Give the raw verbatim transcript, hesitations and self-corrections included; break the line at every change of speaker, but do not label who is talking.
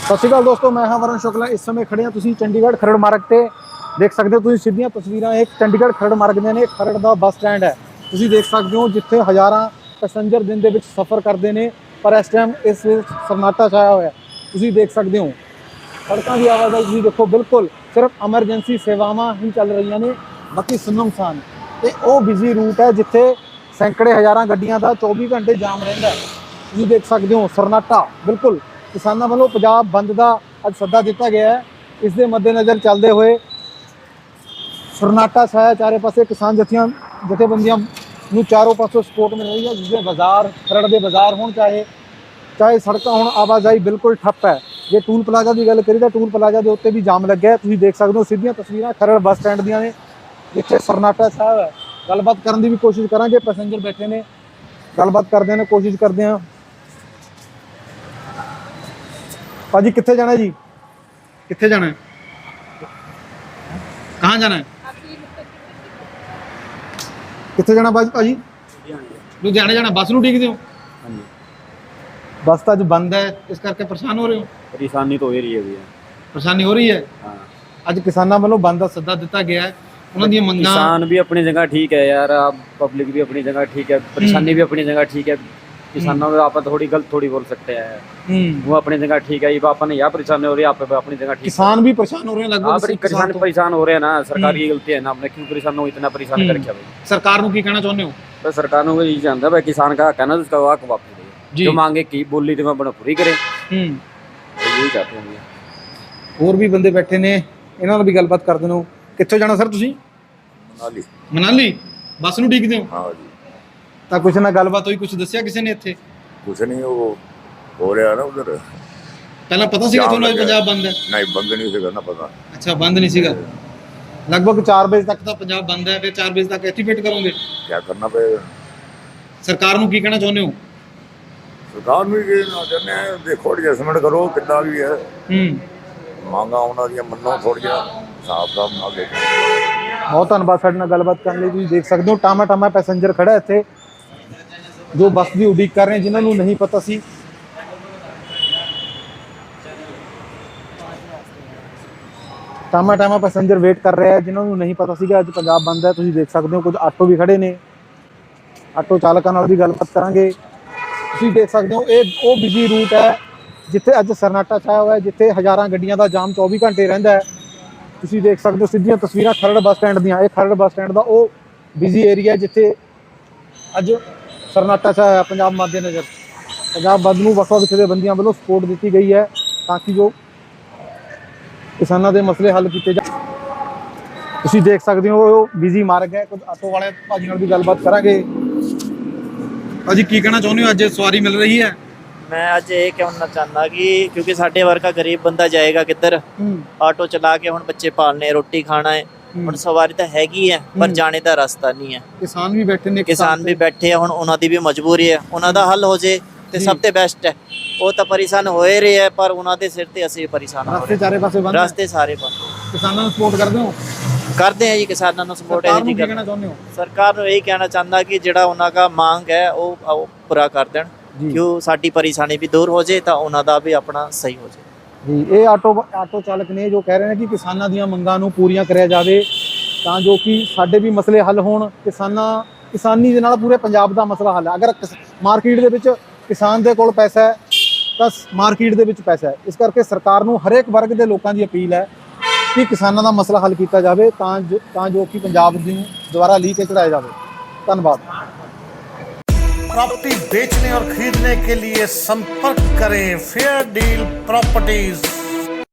सत श्री अकाल दोस्तों, मैं हाँ वरुण शुक्ला। इस समय खड़े हैं तुसीं चंडीगढ़ खरड़ मार्ग ते देख सकते हो तुसीं सीधियां तस्वीरां। एक चंडीगढ़ खरड़ मार्ग ਦੀਆਂ ਨੇ। खरड़ ਦਾ ਬੱਸ ਸਟੈਂਡ ਹੈ, ਤੁਸੀਂ ਦੇਖ ਸਕਦੇ ਹੋ, ਜਿੱਥੇ ਹਜ਼ਾਰਾਂ ਪੈਸੇਂਜਰ ਦਿਨ ਦੇ ਵਿੱਚ ਸਫ਼ਰ ਕਰਦੇ ਨੇ। ਪਰ ਇਸ ਟਾਈਮ ਇਸ ਵਿੱਚ ਸन्नाटा छाया ਹੋਇਆ, ਤੁਸੀਂ ਦੇਖ ਸਕਦੇ ਹੋ। ਸੜਕਾਂ ਦੀ ਆਵਾਜਾਈ ਤੁਸੀਂ ਦੇਖੋ, ਬਿਲਕੁਲ ਸਿਰਫ ਐਮਰਜੈਂਸੀ ਸੇਵਾਵਾਂ ਹੀ ਚੱਲ ਰਹੀਆਂ ਨੇ, ਬਾਕੀ ਸੁੰਨਮਸਾਨ। ਤੇ ਉਹ ਬਿਜ਼ੀ ਰੂਟ ਹੈ ਜਿੱਥੇ ਸੈਂਕੜੇ ਹਜ਼ਾਰਾਂ ਗੱਡੀਆਂ ਦਾ ਚੌਵੀ ਘੰਟੇ ਜਾਮ ਰਹਿੰਦਾ। ਤੁਸੀਂ ਦੇਖ ਸਕਦੇ ਹੋ ਸन्नाटा ਬਿਲਕੁਲ। किसानों वालों पंजाब बंद का अज सद्दा दिता गया है। इस दे मद्देनज़र चलते हुए सन्नाटा छाया चारे पासे। किसान जथियां जथेबंदियां नूं चारों पासों सपोर्ट मिल रही है, जिसमें बाजार खरड़ के बाजार होण चाहे चाहे सड़क होण, आवाजाही बिल्कुल ठप्प है। जे टूल प्लाजा की गल करिए तो टूल प्लाजा के उत्ते भी जाम लग्या है। तुसीं देख सकते हो सीधियां तस्वीरां खरड़ बस स्टैंड दियां ने, जिथे सन्नाटा छाया है। गलबात करने की भी कोशिश करांगे, पैसेंजर बैठे ने, गलबात करते हैं, कोशिश करते हैं। भाजी कितने जाना है जी? कितने जाना है? कहाँ जाना है? कितने जाना भाजी? भाजी लुधियाने जाना। बस नूं उडीकदे हो? बस तो अज बंद है, इस करके परेशान हो रहे हो?
परेशानी तो हो रही है भैया,
परेशानी हो रही है।
हाँ।
अज किसानों वालों बंद का सद्दा दिता गया है। उन्हां दी मंगां,
किसान भी अपनी जगह ठीक है यार, आप पब्लिक भी अपनी जगह ठीक है, परेशानी भी अपनी जगह ठीक है। किसानों में आप थोड़ी गलत थोड़ी बोल सकते हैं, वो अपनी जगह ठीक है। ये अपन यहाँ परेशानी हो रही है, आप अपनी जगह ठीक।
किसान भी परेशान हो रहे हैं लगभग।
किसान परेशान हो रहे हैं ना, सरकार की गलती है ना, आपने क्यों परेशान हो, इतना परेशान कर रखा भाई।
सरकार को की कहना चाहते हो?
तो सरकार को यही जानता है भाई, किसान का कहना उसका वाक वापस दे, जो मांगे की बोली तो मैं पूरी करे, यही चाहते हैं।
और भी बंदे बैठे ने, इन्हां नाल भी गलबात करदे ने। कित्थों जाना सर तुसीं?
मनाली।
मनाली बस नूं उडीकदे हो?
हाँ जी।
ਤਾਂ ਕੁਛ ਨਾ ਗੱਲਬਾਤ ਹੋਈ, ਕੁਛ ਦੱਸਿਆ ਕਿਸੇ ਨੇ ਇੱਥੇ?
ਕੁਛ ਨਹੀਂ, ਉਹ ਹੋ ਰਿਹਾ ਨਾ ਉਧਰ।
ਪਹਿਲਾਂ ਪਤਾ ਸੀਗਾ ਤੁਹਾਨੂੰ ਅੱਜ ਪੰਜਾਬ ਬੰਦ ਹੈ?
ਨਹੀਂ, ਬੰਦ ਨਹੀਂ ਸੀਗਾ ਨਾ ਪਤਾ।
ਅੱਛਾ, ਬੰਦ ਨਹੀਂ ਸੀਗਾ। ਲਗਭਗ ਚਾਰ ਵਜੇ ਤੱਕ ਤਾਂ ਪੰਜਾਬ ਬੰਦ ਹੈ, ਫਿਰ ਚਾਰ ਵਜੇ ਤੱਕ ਇੱਥੇ ਵੇਟ ਕਰੋਗੇ?
ਕੀ ਕਰਨਾ ਪਏਗਾ।
ਸਰਕਾਰ ਨੂੰ ਕੀ ਕਹਿਣਾ ਚਾਹੁੰਦੇ ਹੋ?
ਸਰਕਾਰ ਨੂੰ ਇਹ ਨਾ ਚਾਹੁੰਦੇ ਆ, ਦੇਖੋ ਐਡਜਸਟਮੈਂਟ ਕਰੋ ਕਿੱਦਾਂ ਵੀ ਹੈ।
ਹੂੰ,
ਮੰਗਾਂ ਉਹਨਾਂ ਦੀਆਂ ਮੰਨੋ ਥੋੜ੍ਹੀਆਂ, ਹਿਸਾਬ ਦਾ ਨਾਲ ਦੇਖੋ।
ਬਹੁਤ ਧੰਨਵਾਦ ਸਾਡੇ ਨਾਲ ਗੱਲਬਾਤ ਕਰਨ ਲਈ। ਤੁਸੀਂ ਦੇਖ ਸਕਦੇ ਹੋ ਟਾਮਾ ਟਾਮਾ ਪੈਸੇਂਜਰ ਖੜਾ ਇੱਥੇ, जो बस की उड़ीक कर रहे हैं, जिन्होंने नहीं पता सी। टामा टामा पैसेंजर वेट कर रहे हैं, जिन्होंने नहीं पता सी कि अज पंजाब बंद है। तुम देख सकते हो कुछ आटो भी खड़े ने, आटो चालकों नाल भी गलबात करांगे। तुम देख सकते हो ये वो बिजी रूट है जिथे अज सन्नाटा छाया हुआ है, जिथे हज़ारां गड्डियां दा जाम चौबी घंटे रहिंदा है। तुम देख सकते हो सीधियां तस्वीरां खरड़ बस स्टैंड दियां। ये खरड़ बस स्टैंड का वो बिजी एरिया जिथे अज सन्नाटा छाया पंजाब मद्देनज़र। पंजाब बंद नूं वख-वख जथेबंदियां वालों सपोर्ट दी गई है ताकि जो किसानों के मसले हल किए जा। तुसीं देख सकते हो बिजी मार्ग है। कुछ आटो वाले भाजी नाल भी गलबात करांगे। भाजी की कहना चाहुंदे हो, अज सवारी मिल रही है?
मैं अज ये कहना चाहना कि क्योंकि साडे वर्गा गरीब बंदा जाएगा किधर, आटो चला के हुण बच्चे पालने, रोटी खाना है, ਹੁਣ ਸਵਾਰੀ ਤਾਂ ਹੈਗੀ ਹੈ ਪਰ ਜਾਣੇ ਦਾ ਰਸਤਾ ਨਹੀਂ ਹੈ।
ਕਿਸਾਨ ਵੀ ਬੈਠੇ ਨੇ,
ਕਿਸਾਨ ਵੀ ਬੈਠੇ ਆ, ਹੁਣ ਉਹਨਾਂ ਦੀ ਵੀ ਮਜਬੂਰੀ ਹੈ, ਉਹਨਾਂ ਦਾ ਹੱਲ ਹੋ ਜੇ ਤੇ ਸਭ ਤੋਂ ਬੈਸਟ ਹੈ। ਉਹ ਤਾਂ ਪਰੇਸ਼ਾਨ ਹੋਏ ਰਹੇ ਹੈ, ਪਰ ਉਹਨਾਂ ਦੇ ਸਿਰ ਤੇ ਅਸੀਂ ਪਰੇਸ਼ਾਨ ਹਾਂ।
ਰਸਤੇ ਚਾਰੇ ਪਾਸੇ ਬੰਦ,
ਰਸਤੇ ਸਾਰੇ ਬੰਦ।
ਕਿਸਾਨਾਂ ਨੂੰ ਸਪੋਰਟ ਕਰਦੇ ਹੋ?
ਕਰਦੇ ਆ ਜੀ, ਕਿਸਾਨਾਂ ਨੂੰ ਸਪੋਰਟ ਹੈ ਜੀ।
ਕੀ ਕਹਿਣਾ ਚਾਹੁੰਦੇ ਹੋ?
ਸਰਕਾਰ ਨੂੰ ਇਹੀ ਕਹਿਣਾ ਚਾਹੁੰਦਾ ਕਿ ਜਿਹੜਾ ਉਹਨਾਂ ਦਾ ਮੰਗ ਹੈ ਉਹ ਪੂਰਾ ਕਰ ਦੇਣ, ਕਿਉਂ ਸਾਡੀ ਪਰੇਸ਼ਾਨੀ ਵੀ ਦੂਰ ਹੋ ਜੇ ਤਾਂ ਉਹਨਾਂ ਦਾ ਵੀ ਆਪਣਾ ਸਹੀ ਹੋ ਜੇ
ਜੀ। ਇਹ ਆਟੋ ਆਟੋ ਚਾਲਕ ਨੇ ਜੋ ਕਹਿ ਰਹੇ ਨੇ ਕਿ ਕਿਸਾਨਾਂ ਦੀਆਂ ਮੰਗਾਂ ਨੂੰ ਪੂਰੀਆਂ ਕਰਿਆ ਜਾਵੇ ਤਾਂ ਜੋ ਕਿ ਸਾਡੇ ਵੀ ਮਸਲੇ ਹੱਲ ਹੋਣ। ਕਿਸਾਨਾਂ ਕਿਸਾਨੀ ਦੇ ਨਾਲ ਪੂਰੇ ਪੰਜਾਬ ਦਾ ਮਸਲਾ ਹੱਲ ਹੈ। ਅਗਰ ਮਾਰਕੀਟ ਦੇ ਵਿੱਚ ਕਿਸਾਨ ਦੇ ਕੋਲ ਪੈਸਾ ਹੈ ਤਾਂ ਮਾਰਕੀਟ ਦੇ ਵਿੱਚ ਪੈਸਾ ਹੈ। ਇਸ ਕਰਕੇ ਸਰਕਾਰ ਨੂੰ ਹਰੇਕ ਵਰਗ ਦੇ ਲੋਕਾਂ ਦੀ ਅਪੀਲ ਹੈ ਕਿ ਕਿਸਾਨਾਂ ਦਾ ਮਸਲਾ ਹੱਲ ਕੀਤਾ ਜਾਵੇ ਤਾਂ ਜੋ ਤਾਂ ਜੋ ਕਿ ਪੰਜਾਬ ਨੂੰ ਦੁਬਾਰਾ ਲੀਹ ਕੇ ਚੜਾਇਆ ਜਾਵੇ। ਧੰਨਵਾਦ।
प्रॉपर्टी बेचने और खरीदने के लिए संपर्क करें फेयर डील प्रॉपर्टीज।